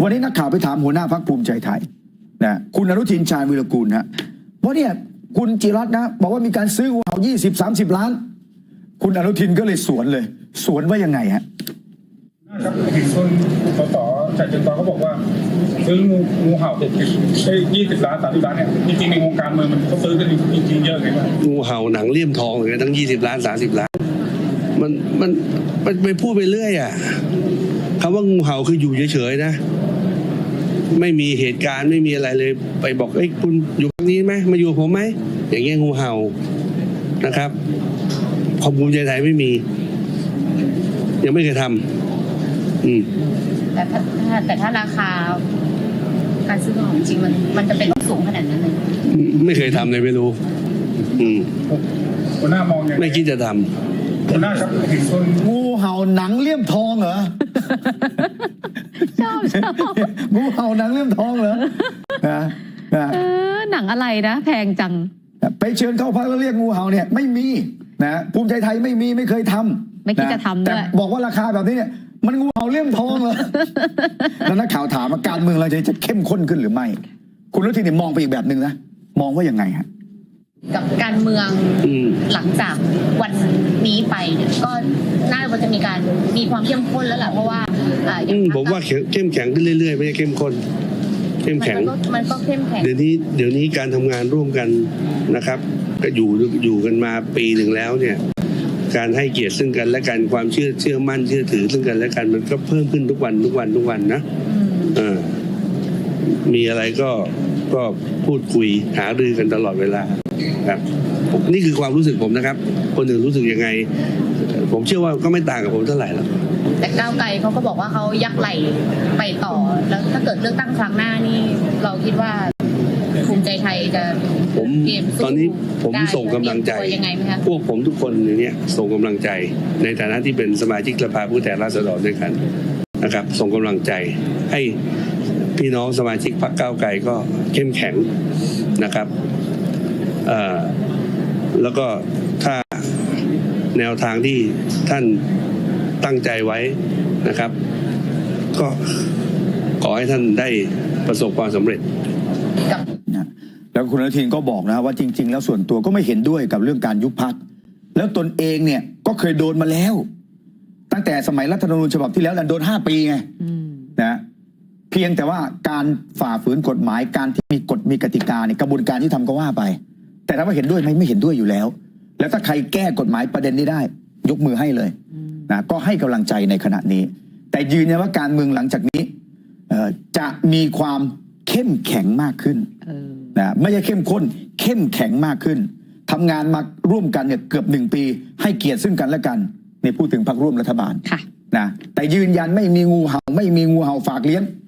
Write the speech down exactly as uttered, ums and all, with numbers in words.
วันนี้นักข่าวไปถามหัวหน้าพรรคภูมิใจไทยนะคุณอนุทินชาญวิรกูลฮะว่าเนี่ยคุณจิรัตน์นะบอกว่ามีการซื้องูเห่ายี่สิบสามสิบล้านคุณอนุทินก็เลยสวนเลยสวนว่ายังไงฮะครับเห็นคนสสชายเชิงเทราเขาบอกว่าซื้องูงูเห่าเจ็ดสิบไอ้ยี่สิบล้านสามสิบล้านเนี่ยจริงๆในวงการเมืองมันเขาซื้อกันจริงๆเยอะเลยว่างูเห่าหนังเลี่ยมทองเลยทั้งยี่สิบล้านสามสิบล้านมันมันมันไปพูดไปเรื่อยอ่ะคำว่างูเห่าคืออยู่เฉยๆนะไม่มีเหตุการณ์ไม่มีอะไรเลยไปบอกเอ้ยคุณอยู่ตรงนี้ไหมมาอยู่ผมไหมอย่างเงี้ยงูเห่านะครับของภูมิใจไทยไม่มียังไม่เคยทำอืมแต่ถ้าแต่ถ้าราคาการซื้อของจริงมันมันจะเป็นต้องสูงขนาดนั้นเลยไม่เคยทำเลยไม่รู้อืมหัวหน้ามองยังไม่คิดจะทำหัวหน้าครับเห็นคนงูเห่าหนังเลี่ยมทองเหรอชอบชอบงูเห่าหนังเลี่ยมทองเหรอนะนะเออหนังอะไรนะแพงจังไปเชิญเข้าพักแล้วเรียกงูเห่าเนี่ยไม่มีนะภูมิใจไทยไม่มีไม่เคยทำไม่คิดจะทำด้วยแต่บอกว่าราคาแบบนี้เนี่ยมันงูเห่าเลี่ยมทองเหรอแล้วนักข่าวถามว่าการเมืองเราจะจะเข้มข้นขึ้นหรือไม่คุณรุทินเนี่ยมองไปอีกแบบหนึ่งนะมองว่ายังไงฮะกับการเมืองหลังจากวันนี้ไปเนี่ยก็น่าจะมีการมีความเข้มข้นแล้วแหละเพราะว่าผมว่าเข้มแข็งขึ้นเรื่อยๆไม่ใช่เข้มข้นเข้มแข็งมันก็เข้มแข็งเดี๋ยวนี้เดี๋ยวนี้การทำงานร่วมกันนะครับก็อยู่อยู่กันมาปีหนึ่งแล้วเนี่ยการให้เกียรติซึ่งกันและกันความเชื่อเชื่อมั่นเชื่อถือซึ่งกันและกันมันก็เพิ่มขึ้นทุกวันทุกวันทุกวันนะเออมีอะไรก็ก็พูดคุยหารือกันตลอดเวลาครับนี่คือความรู้สึกผมนะครับคนอื่นรู้สึกยังไงผมเชื่อว่าก็ไม่ต่างกับผมเท่าไหร่หรอกแต่ก้าวไกลเขาก็บอกว่าเขายักไหลไปต่อแล้วถ้าเกิดเลือกตั้งครั้งหน้านี่เราคิดว่าภูมิใจไทยจะผมตอนนี้ผมส่งกำลังใจพวกผมทุกคนอย่างเนี้ยส่งกำลังใจในฐานะที่เป็นสมาชิกสภาผู้แทนราษฎรด้วยกันนะครับส่งกำลังใจให้พี่น้องสมาชิกพรรคก้าวไกลก็เข้มแข็งนะครับเอ่อแล้วก็ถ้าแนวทางที่ท่านตั้งใจไว้นะครับก็ขอให้ท่านได้ประสบความสำเร็จแล้วคุณอนุทินก็บอกนะว่าจริงๆแล้วส่วนตัวก็ไม่เห็นด้วยกับเรื่องการยุบพรรคแล้วตนเองเนี่ยก็เคยโดนมาแล้วตั้งแต่สมัยรัฐธรรมนูญฉบับที่แล้วโดนห้าปีไงนะเพียงแต่ว่าการฝ่าฝืนกฎหมายการที่มีกฎมีกติกาเนี่ยกระบวนการที่ทำก็ว่าไปแต่ถ้าว่าเห็นด้วยไหมไม่เห็นด้วยอยู่แล้วแล้วถ้าใครแก้กฎหมายประเด็นนี้ได้ยกมือให้เลยนะก็ให้กำลังใจในขณะนี้แต่ยืนยันว่าการเมืองหลังจากนี้จะมีความเข้มแข็งมากขึ้นนะไม่ใช่เข้มข้นเข้มแข็งมากขึ้นทำงานมาร่วมกันเนี่ยเกือบหนึ่งปีให้เกียรติซึ่งกันและกันในพูดถึงพรรคร่วมรัฐบาลนะแต่ยืนยันไม่มีงูเห่าไม่มีงูเห่าฝากเลี้ยง